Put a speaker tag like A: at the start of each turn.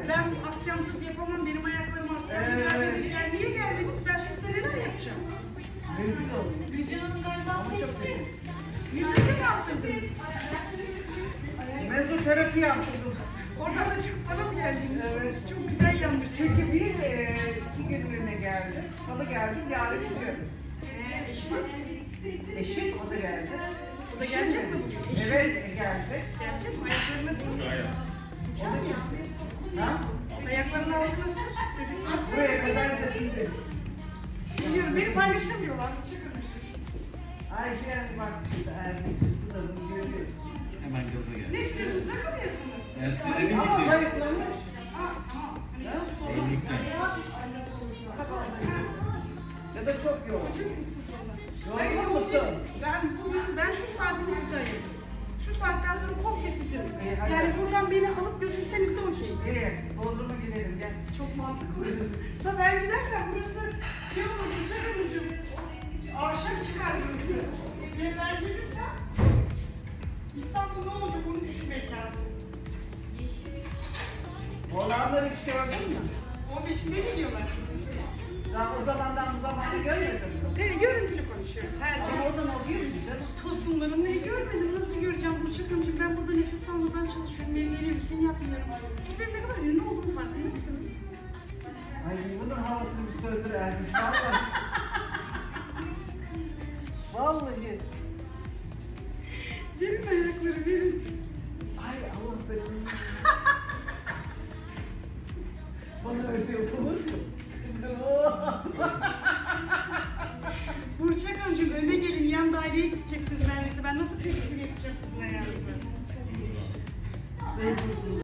A: Ben akşamsız yapamam, benim ayaklarım akşamsız. Yani niye gelmedin? Ben şimdi size neler yapacağım?
B: Rezil oldum.
C: Gülcan Hanım galiba seçti.
A: Yüzünü mi yaptırdınız?
B: Mezoterapi yaptırdım.
A: Oradan da çıkıp bana mı geldiniz?
B: Evet.
A: Çok güzel yanmış.
B: Çünkü bir iki günlüğüne geldi. Salı geldi, yarın çıkıyor.
A: Eşiniz?
B: Eşim o da geldi.
A: O da gelecek mi bugün? Eşiniz
B: Evet, geldi.
A: gelecek mi? Ayakları nasıl?
B: O da geldi. Ha?
A: Ayaklarının altı nasıl? Sizin
B: Buraya kadar götürdü.
A: biliyorum, beni paylaşamıyorlar.
B: Ayşe yani bak şimdi Ersin kızlarını görüyoruz.
D: Hemen gaza gel.
A: Ne istiyorsunuz? Rakamıyorsunuz.
D: Ersin'e
B: Ama
D: gitti.
B: zayıflamış.
D: Evlilikten.
B: Ya da çok yoğun.
A: Hayır,
B: Yorgun musun?
A: ben şu saatimi size ayırdım. Şu saatten sonra komple sizin.
B: İyi, hadi.
A: Yani buradan beni alıp götürseniz de okey.
B: İyi, Bodrum'a gidelim gel.
A: Çok mantıklı. Da ben gidersem burası şey olur, uçarım. Aşağı çıkar burası. Ben gelirsem İstanbul ne olacak onu düşünmek lazım.
B: Olanları hiç gördün mü?
A: 15'inde geliyorlar.
B: Daha o zamandan bu zamana görmedin mi?
A: Evet, görüntülü konuşuyoruz. Her
B: Ama
A: gün.
B: oradan oluyor mu canım?
A: Tosunlarını görmedim. Nasıl göreceğim Burçak Hanımcığım? Ben burada nefes almadan çalışıyorum. Meyveli bir şey yapmıyorum. Siz benim ne kadar ünlü olduğumu farkında mısınız?
B: Ay bunun havasını bir söndür Ermiş. Vallahi. Vallahi.
A: Verin ayakları, verin.
B: Ay Allah benim. Bana öyle yapılır.